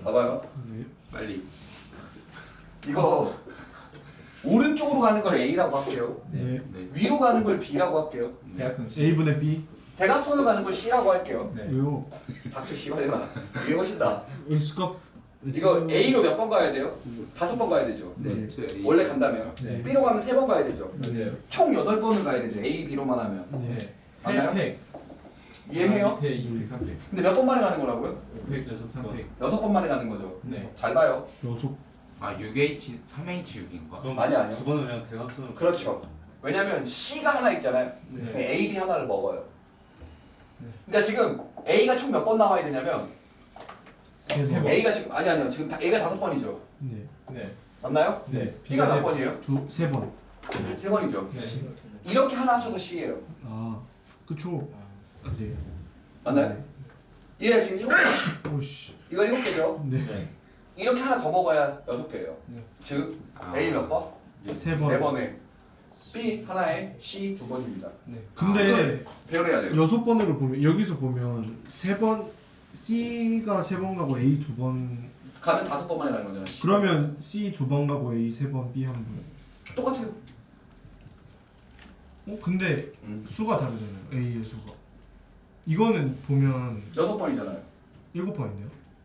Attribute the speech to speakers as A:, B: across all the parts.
A: 봐봐요.
B: 네.
C: 빨리.
A: 이거 오른쪽으로 가는 걸 A라고 할게요.
B: 네.
C: 네.
A: 위로 가는 걸 B라고 할게요.
D: 대각선 C.
B: A분의 B.
A: 대각선으로 가는 걸 C라고 할게요.
D: 네.
B: 왜요?
A: 닥쳐 씨발이나. 이게 훨씬다.
B: X값.
A: 이거 A로 몇 번 가야 돼요? 5번 가야 되죠.
B: 네.
A: 원래 간다면.
D: 네.
A: B로 가면 3번 가야 되죠.
D: 맞아요.
A: 총 8번을 가야 되죠. A, B로만 하면.
D: 네.
A: 맞나요?
D: 8팩.
A: 이해해요?
D: 밑에 2팩, 3팩.
A: 근데 몇 번 만에 가는 거라고요?
D: 5팩, 6, 3팩.
A: 6번 만에 가는 거죠.
D: 네.
A: 잘 봐요.
B: 여섯.
C: 아 6H 3H6인가?
E: 그럼
A: 아니요.
E: 두 번은 그냥 대각선으로.
A: 그렇죠. 왜냐면 C가 하나 있잖아요.
D: 네.
A: A, B 하나를 먹어요. 그러니까 지금 A가 총 몇 번 나와야 되냐면
B: 세
D: 세
B: 번.
D: 번.
A: A가 지금 아니요. 지금 A가 5번이죠.
B: 네.
D: 네.
A: 맞나요?
D: 네.
A: B가 몇
D: 세 번.
A: 번이에요?
B: 세 번.
A: 3번이죠.
D: 네.
A: 이렇게 하나 합쳐서 C예요.
B: 아, 그쵸. 네.
A: 맞나요? 얘가 지금 7개.
B: 오씨.
A: 이거 7개죠.
B: 네.
D: 네.
A: 이렇게 하나 더 먹어야 6개예요.
D: 네.
A: 즉
C: 아.
A: A 몇 번?
B: 세 번.
A: 4번에 B 하나에 C 2번입니다.
D: 네.
B: 근데
A: 배열해야 돼요.
B: 6번으로 보면 여기서 보면 세 번 C가 세 번 가고 A 두 번.
A: 가면 5번 만에 가는 거잖아. C.
B: 그러면 C 두 번 가고 A 세 번, B 한 번.
A: 똑같아요.
B: 근데 수가 다르잖아요. A의 수가. 이거는 보면
A: 6번이잖아요.
B: 7번인데요.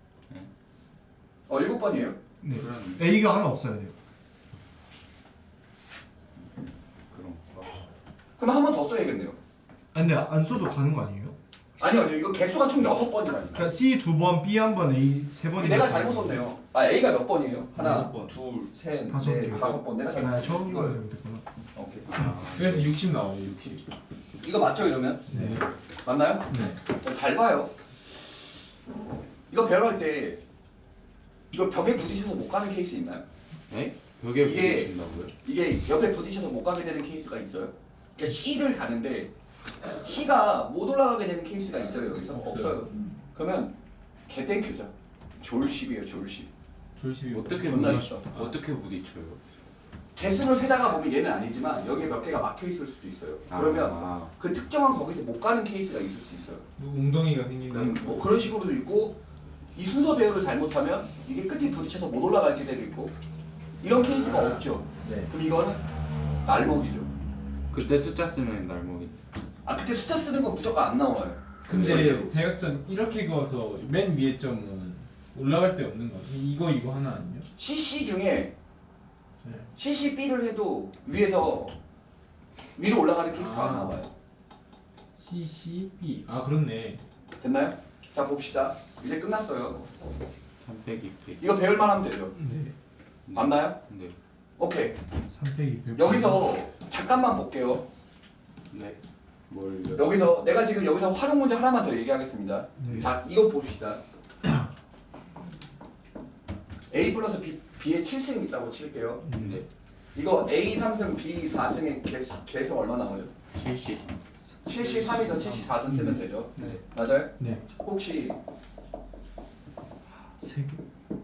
A: 7번이에요.
B: 네.
C: 그럼
B: A가 하나 없어야 돼요.
C: 그럼
A: 그럼 한 번 더 써야겠네요.
B: 아 근데 안 써도 가는 거 아니에요?
A: 아니요. 이거 개수가 총 6번이라니까.
B: 그러니까 C 두 번, B 한 번, A 세 번.
A: 내가 잘못 썼네요. 아 A가 몇 번이에요? 하나,
E: 6번.
A: 둘, 셋,
B: 다섯
A: 넷,
B: 개.
A: 5번. 내가 잘못
B: 아,
A: 썼어요.
B: 처음
A: 이거예요.
B: 잘못했구나.
A: 오케이.
D: 그래서 60 나와요, 60.
A: 이거 맞죠 이러면?
D: 네.
A: 맞나요?
D: 네.
A: 잘 봐요. 이거 배열할 때 이거 벽에 부딪혀서 못 가는 케이스 있나요?
C: 네? 벽에
A: 이게-
C: 부딪힌다고요?
A: 이게 옆에 부딪혀서 못 가게 되는 케이스가 있어요. 그러니까 C를 가는데 C가 못 올라가게 되는 케이스가 있어요 여기서? 없어요. 그러면 개땡큐죠. 졸십이에요 졸십.
D: 졸십이
C: 어떻게
A: 존나
C: 부딪
A: 쉽죠.
C: 어떻게 부딪혀요?
A: 개수를 세다가 보면 얘는 아니지만 여기에 몇 개가 막혀 있을 수도 있어요. 그러면
C: 아,
A: 그 특정한 거기서 못 가는 케이스가 있을 수 있어요.
D: 웅덩이가 생긴다.
A: 뭐 그런 식으로도 있고 이 순서 배열을 잘못하면 이게 끝에 부딪혀서 못 올라갈 때도 있고 이런 케이스가 없죠.
D: 네.
A: 그럼 이거는 날먹이죠.
C: 그때 숫자 쓰면 날먹이.
A: 아 그때 숫자 쓰는 거 무조건 안 나와요.
D: 근데
A: 절대로.
D: 대각선 이렇게 그어서 맨 위에 점은 올라갈 데 없는 거. 이거 하나 아니요?
A: CC 중에
D: 네.
A: CCB를 해도 위에서 위로 올라가는 케이스가 안
D: 아.
A: 나와요.
D: CCB. 아 그렇네.
A: 됐나요? 자 봅시다. 이제 끝났어요.
C: 3팩 2팩.
A: 이거 배열만 하면 되죠.
B: 네.
A: 맞나요?
C: 네.
A: 오케이.
B: 3팩 200.
A: 여기서 잠깐만 볼게요.
C: 네. 뭘요?
A: 여기서 내가 지금 여기서 활용 문제 하나만 더 얘기하겠습니다.
B: 네.
A: 자 이거 봅시다. A 플러스 B의 7승 있다고 칠게요.
C: 네.
A: 이거 A 3승, B 4승의 개수 얼마 나와요?
C: 73.
A: 73이든 74든 쓰면 되죠.
D: 네.
A: 맞아요?
B: 네.
A: 혹시
B: 세 개.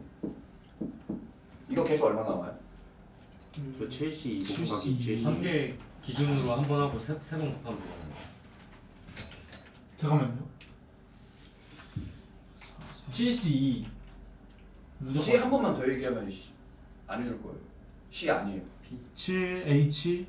A: 이거 개수 얼마 나와요?
C: 저 72
B: 70.
C: 곱하기 70.
E: 한 개 기준으로 한 번 하고 세번 곱하면 되잖아요.
D: 잠깐만요. 72.
A: C 한 번만 더 얘기하면 안 해줄 거예요. C 아니에요.
B: 7H.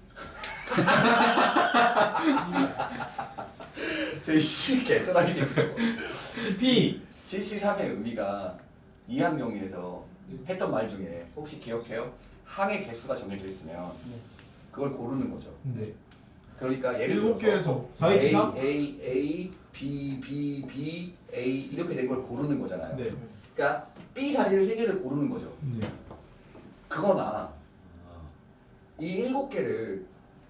A: 되게 C 개쓰라기 생겨요.
D: P.
A: CC3의 의미가 이항경에서 했던 말 중에 혹시 기억해요? 항의 개수가 정해져 있으면 그걸 고르는 거죠.
B: 네.
A: 그러니까 예를
B: 7개에서
D: 4H3?
A: A, B, B, B, A 이렇게 된 걸 고르는 거잖아요.
D: 네.
A: 그러니까 B 자리를 3개를 고르는 거죠.
B: 네.
A: 그거나 이 7개를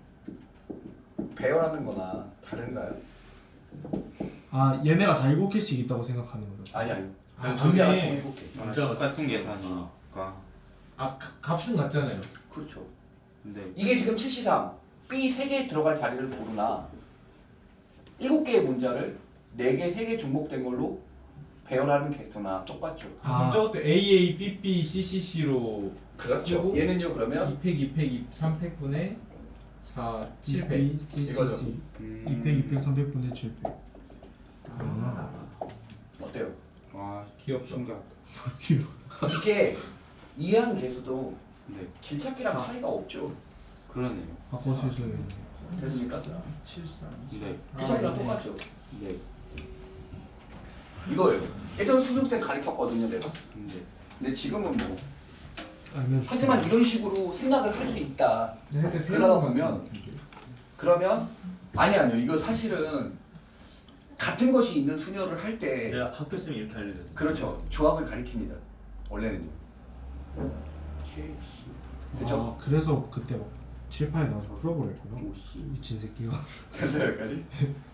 A: 배열하는 거나 다른가요?
B: 아 얘네가 다 7개씩 있다고 생각하는 거죠.
A: 아니 아니요.
D: 아,
A: 문자가
D: 맞네.
A: 총 7개.
C: 아,
E: 문자가
C: 똑같은 계산이니까.
D: 아 값은 같잖아요.
A: 그렇죠.
C: 근데
A: 이게 지금 7C3 B 3개 들어갈 자리를 고르나 7개의 문자를 4개, 3개 중복된 걸로 배열하는 개수나 똑같죠.
D: 아, 그럼 저것도 AA, BB, CCC로
A: 그렇죠.
D: 그리고
A: 얘는요 그러면
D: 2팩, 2팩, 3팩 분의 4, 7팩.
B: B, C, C,
A: 이거죠.
B: C. 200, 200, 300분의 700.
D: 아,
A: 어때요?
C: 와
D: 귀엽죠.
C: 신기하다.
A: 이게 이해하는 개수도
C: 네.
A: 길찾기랑 차이가 없죠.
C: 그러네요.
B: 바꿔 실수해.
A: 됐습니까?
B: 73.
C: 네.
A: 길찾기랑 똑같죠.
C: 네.
A: 이거예요. 예전 수능 때 가르쳤거든요, 내가.
C: 네.
A: 근데 지금은 뭐.
B: 아니면
A: 하지만 이런 식으로 생각을 할 수 있다.
D: 할때
A: 그러다 보면 그러면 아니요. 이거 사실은 같은 것이 있는 수녀를 할 때
E: 내가 학교 쓰면 이렇게 알려줬는데.
A: 그렇죠. 조합을 가리킵니다. 원래는요.
C: 첼시.
A: 그쵸?
B: 아, 그래서 그때 막 칠판에 나와서 풀어버렸구나.
C: 조시.
B: 미친 새끼가.
A: 됐어요 여기까지?